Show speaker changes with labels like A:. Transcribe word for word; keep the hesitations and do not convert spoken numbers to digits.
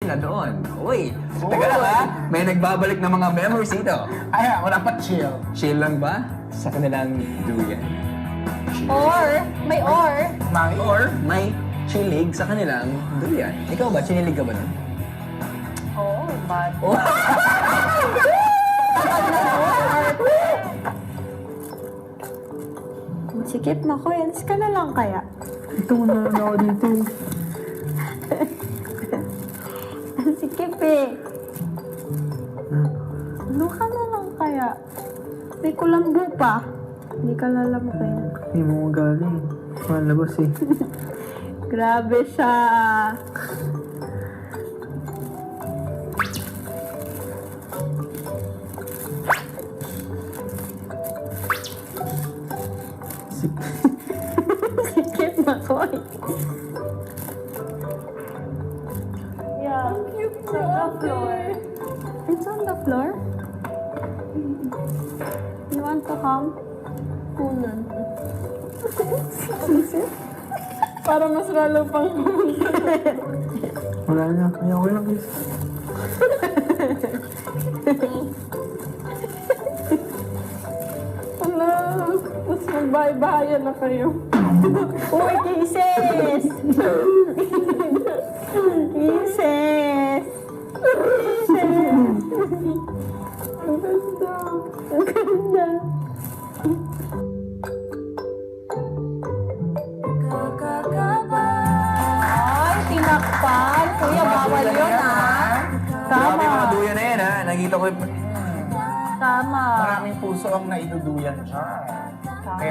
A: sila doon. Uy, taga lang ha. May nagbabalik ng mga memories dito.
B: Ay, wala pa chill.
A: Chill lang ba? Sa kanilang duyan.
C: Or, may or.
B: May
A: Or may chilig sa kanilang duyan. Ikaw ba? Chinilig ka ba nun?
C: Oh, bad.
A: Oh.
C: Sikip na ko, ends ka na lang kaya.
B: ito na lang ako dito.
C: Sikip eh. Ano ka na lang kaya? May kulambo pa. Hindi ka lalamukin.
B: Hindi mo magaling. Malabas eh.
C: Grabe siya. Sikip na ko eh. Yeah. It's on the floor. It's on the floor? You want to come? Kunan. Para mas lalo pang
B: Wala na. Ayaw ko lang guys.
C: Ala, mas magbahay-bahayan na kayo. Uy, kisses! Kisses! Kisses! Ang ganda. Ang ganda. Ay, tinakpan. Kuya, bawal yun ah.
A: Grabe
C: Tama.
A: mga duyan na yan ha. Nakita ko yung...
C: Tama.
B: Maraming puso ang naiduduyan siya.